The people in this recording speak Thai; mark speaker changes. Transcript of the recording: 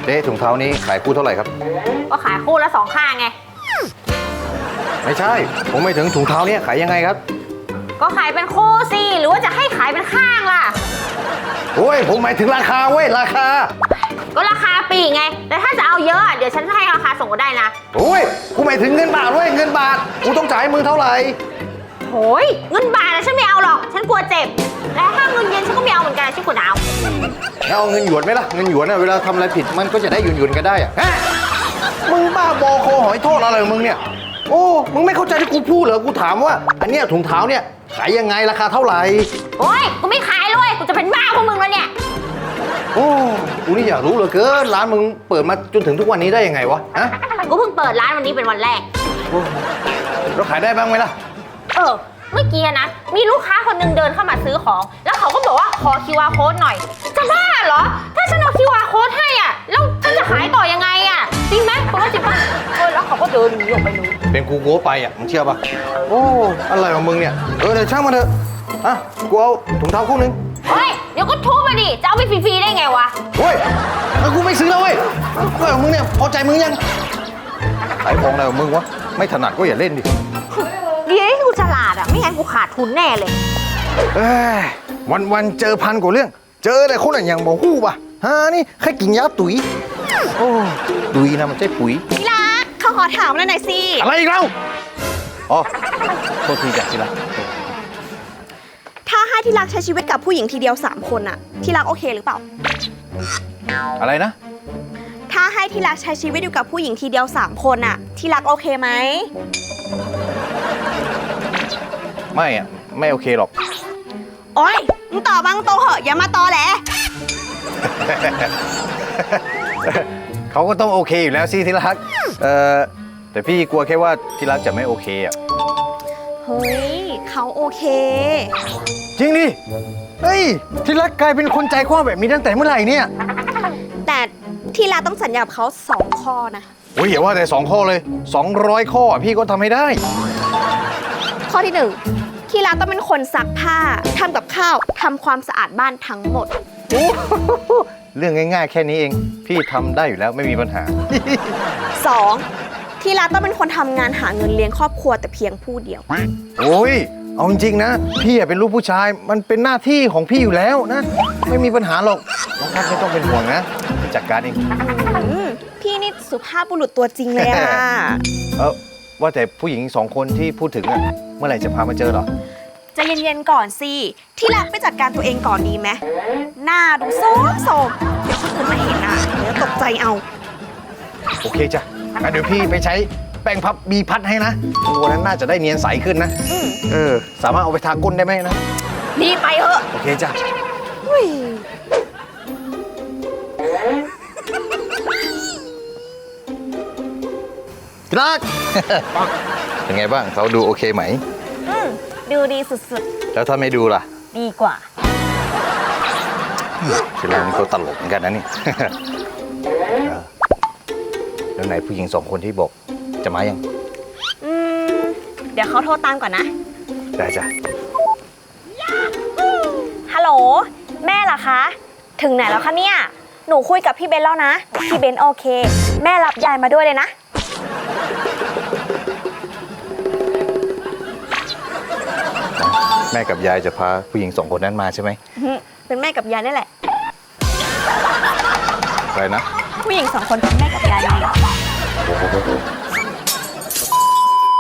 Speaker 1: เจ๊ถุงเท้านี้ขายคู่เท่าไหร่ครับ
Speaker 2: ก็ขายคู่ละ2 ข้างไง
Speaker 1: ไม่ใช่ผมไม่ถึงถุงเท้านี้ขายยังไงครับ
Speaker 2: ก็ขายเป็นคู่สิหรือว่าจะให้ขายเป็นข้างล่ะ
Speaker 1: โอ้ยผมหมายถึงราคาเว้ยราคา
Speaker 2: ก็ราคาปีไงแต่ถ้าจะเอาเยอะเดี๋ยวฉันจะให้ราคาส่งก็ได้นะ
Speaker 1: โอ้ยกูหมายถึงเงินบาทเว้ยเงินบาทกูต้องจ่ายมึงเท่าไหร่
Speaker 2: โอ้ยเงินบาทนะฉันไม่เอาหรอกฉันกลัวเจ็บและถ้าเงินเยนฉันก็ไม่เอาเหมือนกันฉันกลัวหนาว
Speaker 1: แล้วเอาเงินหยวนไหมล่ะเงินหยวนเวลาทำอะไรผิดมันก็จะได้หยวนกันได้อะฮะมึงบ้าบอคอหอยโทษอะไรของมึงเนี่ยโอ้มึงไม่เข้าใจที่กูพูดเหรอกูถามว่าอันเนี้ยถุงเท้าเนี่ยขายยังไงราคาเท่าไหร่
Speaker 2: โอ้ยกูไม่ขายเลยกูจะเป็นบ้าพวกมึงแล้วเนี่ย
Speaker 1: โอ้กูนี่อยากรู้เหลือเกินร้านมึงเปิดมาจนถึงทุกวันนี้ได้ยังไงวะฮะ
Speaker 2: กูเพิ่งเปิดร้านวันนี้เป็นวันแรก
Speaker 1: เราขายได้บ้างไหมล่ะ
Speaker 2: เมื่อกี้นะมีลูกค้าคนนึงเดินเข้ามาซื้อของแล้วเขาก็บอกว่าขอ QR code หน่อยจะบ้าเหรอถ้าฉันเอา QR code ให้อ่ะแล้วฉันจะขายต่อยังไงอ่ะจริงไหมคุณว่าจริงป่ะแล้วเขาก็เดินหนีออกไปเลย
Speaker 1: เป็นกูโก้ไปอ่ะมึงเชื่อป่ะโอ้อะไรของมึงเนี่ยเดี๋ยวช่างมาเถอะอ่ะกูเอาถุงเท้าคู่นึง
Speaker 2: เฮ้ยเดี๋ยวก็ทุบมาดิจะเอาไปฟรีๆได้ไงวะ
Speaker 1: เฮ้ยกูไม่ซื้อแล้วเว้ยอะไรของมึงเนี่ยพอใจมึงยังขายของอะไรของมึงวะไม่ถนัดก็อย่าเล่นดิ
Speaker 2: ดีที่กูฉลาดอ่ะไม่งั้นกูขาดทุนแน่เลย
Speaker 1: วันเจอพันกว่าเรื่องเจอแต่คนอย่างบอกฮู้ป่ะฮะนี่แค่กินยาตุ๋ยโอ้ตุ๋ยนะมันใช่ปุ๋ย
Speaker 2: ที่รักเขาขอถามแล้วหน่อยสิ
Speaker 1: อะไรอีกแล้วอ๋อโทษทีจ้ะที่รัก
Speaker 3: ถ้าให้ที่รักใช้ชีวิตกับผู้หญิงทีเดียว3 คนอะที่รักโอเคหรือเปล่า
Speaker 1: อะไรนะ
Speaker 3: ถ้าให้ที่รักใช้ชีวิตอยู่กับผู้หญิงทีเดียว3 คนอะที่รักโอเคไหม
Speaker 1: ไม่โอเคหรอก
Speaker 3: โอ๊ยมึงตอบบ้างโตเหอะอย่ามาตอแหล
Speaker 1: เขาก็ต้องโอเคอยู่แล้วสิที่รักแต่พี่กลัวแค่ว่าที่รักจะไม่โอเคอ่ะ
Speaker 3: เฮ้ยเขาโอเค
Speaker 1: จริงดิเฮ้ยที่รักกลายเป็นคนใจกว้างแบบนี้ตั้งแต่เมื่อไหร่เนี่ย
Speaker 3: แต่ที่รักต้องสัญญากับเขา2 ข้อนะ
Speaker 1: โอ้ยอย่าว่าแต่2 ข้อเลย200 ข้อพี่ก็ทำให้ได้
Speaker 3: ข้อที่ 1ที่รักต้องเป็นคนซักผ้าทำกับข้าวทำความสะอาดบ้านทั้งหมด
Speaker 1: เรื่องง่ายๆแค่นี้เองพี่ทำได้อยู่แล้วไม่มีปัญหา
Speaker 3: 2. ที่รักต้องเป็นคนทำงานหาเงินเลี้ยงครอบครัวแต่เพียงผู้เดียว
Speaker 1: โอ้ยเอาจริงๆนะพี่เป็นลูกผู้ชายมันเป็นหน้าที่ของพี่อยู่แล้วนะไม่มีปัญหาหรอกน้องพัดไม่ต้องเป็นห่วงนะจะจัดการเอง
Speaker 3: พี่นี่สุภาพบุรุษตัวจริงเลยอะ
Speaker 1: ว่าแต่ผู้หญิง2 คนที่พูดถึงอะเมื่อไหร่จะพามาเจอหรอ
Speaker 3: จะเย็นๆก่อนสิที่รักไปจัดการตัวเองก่อนดีไหมหน้าดูโซมเดี๋ยวคนอื่นมาเห็นอะเดี๋ยวตกใจเอา
Speaker 1: โอเคจ้ะเดี๋ยวพี่ไปใช้แป้งพับบีพัดให้นะวันนั้นน่าจะได้เนียนใสขึ้นนะสามารถเอาไปทาก้นได้ไหมนะ
Speaker 3: ดีไปเถอะ
Speaker 1: โอเคจ้ะรักเป็นไงบ้างเขาดูโอเคไหม
Speaker 3: ดูดีสุด
Speaker 1: ๆแล้วถ้าไม่ดูล่ะ
Speaker 3: ดีกว่า
Speaker 1: คือเราเป็นตัวตลกเหมือนกันนะนี่แล้วไหนผู้หญิง2 คนที่บอกจะมายัง
Speaker 3: เดี๋ยวเขาโทรตามก่อนนะ
Speaker 1: ได้จ้ะ
Speaker 3: ฮัลโหลแม่เหรอคะถึงไหนแล้วคะเนี่ยหนูคุยกับพี่เบนแล้วนะพี่เบนโอเคแม่รับยายมาด้วยเลยนะ
Speaker 1: แม่กับยายจะพาผู้หญิง2 คนนั้นมาใช่ไหม
Speaker 3: เป็นแม่กับยายนี่แหละ
Speaker 1: อะไรนะ
Speaker 3: ผู้หญิง2 คนเป็นแม่กับยายนี่